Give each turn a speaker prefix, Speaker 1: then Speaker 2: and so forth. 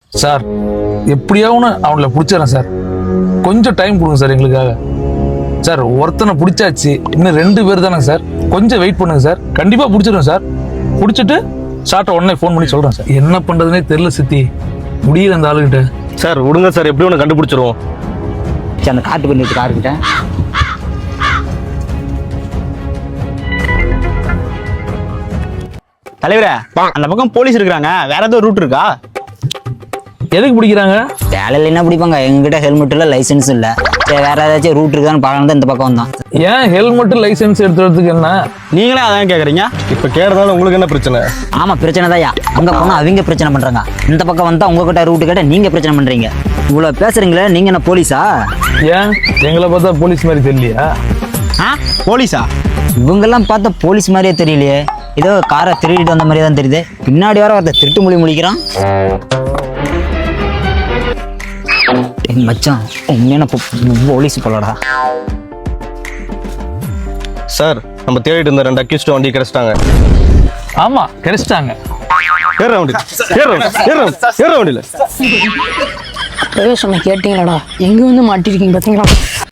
Speaker 1: Sir எப்படியாவது அவங்கள பிடிச்சிடறேன் சார். கொஞ்சம் டைம் கொடுங்க சார் எங்களுக்காக. சார் ஒருத்தனை பிடிச்சாச்சு, இன்னும் 2 பேர் தானே சார். கொஞ்சம் வெயிட் பண்ணுங்க சார், கண்டிப்பா பிடிச்சிடுவேன் சார். பிடிச்சிட்டு ஷார்ட்டை உடனே ஃபோன் பண்ணி சொல்றேன் சார். என்ன பண்றதுனே தெரியல சித்தி, முடியல அந்த ஆளுகிட்ட.
Speaker 2: சார் விடுங்க சார், எப்படி ஒன்று கண்டுபிடிச்சிருவோம்.
Speaker 3: அந்த காட்டு பண்ணி வச்சு காருக்கிட்ட
Speaker 4: தலைவரே, அந்த பக்கம் போலீஸ் இருக்கிறாங்க, வேற ஏதோ ரூட் இருக்கா?
Speaker 1: எதுக்கு பிடிக்கிறாங்க?
Speaker 3: வேலையில் என்ன பிடிப்பாங்க, எங்ககிட்ட ஹெல்மெட் இல்லை, லைசன்ஸ் இல்லை. சரி வேற ஏதாச்சும் ரூட் இருக்கான்னு பார்க்கணும் தான் இந்த பக்கம் வந்தான்.
Speaker 1: ஏன் ஹெல்மெட் லைசன்ஸ் எடுத்துறதுக்கு என்ன?
Speaker 4: நீங்களே அதான் கேட்குறீங்க.
Speaker 2: இப்போ கேட்டதால உங்களுக்கு என்ன பிரச்சனை?
Speaker 3: ஆமாம் பிரச்சனை தான்யா. அங்கே போனால் அவங்க பிரச்சனை பண்ணுறாங்க, இந்த பக்கம் வந்தால் உங்ககிட்ட ரூட்டு கேட்டால் நீங்கள் பிரச்சனை பண்ணுறீங்க. இவ்வளோ பேசுகிறீங்களே, நீங்கள் என்ன போலீஸா?
Speaker 1: ஏன் எங்களை பார்த்தா போலீஸ் மாதிரி தெரியலையா?
Speaker 4: ஆ, போலீஸா?
Speaker 3: இவங்கெல்லாம் பார்த்தா போலீஸ் மாதிரியே தெரியலையே. ஏதோ காரை திருடிட்டு வந்த மாதிரியே தான் தெரியுது. பின்னாடி வர ஒருத்தர் திருட்டு மொழி முழிக்கிறான். மச்சான் உண்மையான போலீஸ் போலடா.
Speaker 2: சார் நம்ம தேடிட்டு இருந்த 2 அக்யூஸ்ட் வண்டி கிடைச்சிட்டாங்க.
Speaker 1: ஆமா கிடைச்சிட்டாங்க.
Speaker 2: ஏற வண்டியில
Speaker 5: அப்பவே சொன்ன கேட்டீங்களாடா, எங்க வந்து மாட்டிருக்கீங்க பாத்தீங்களா?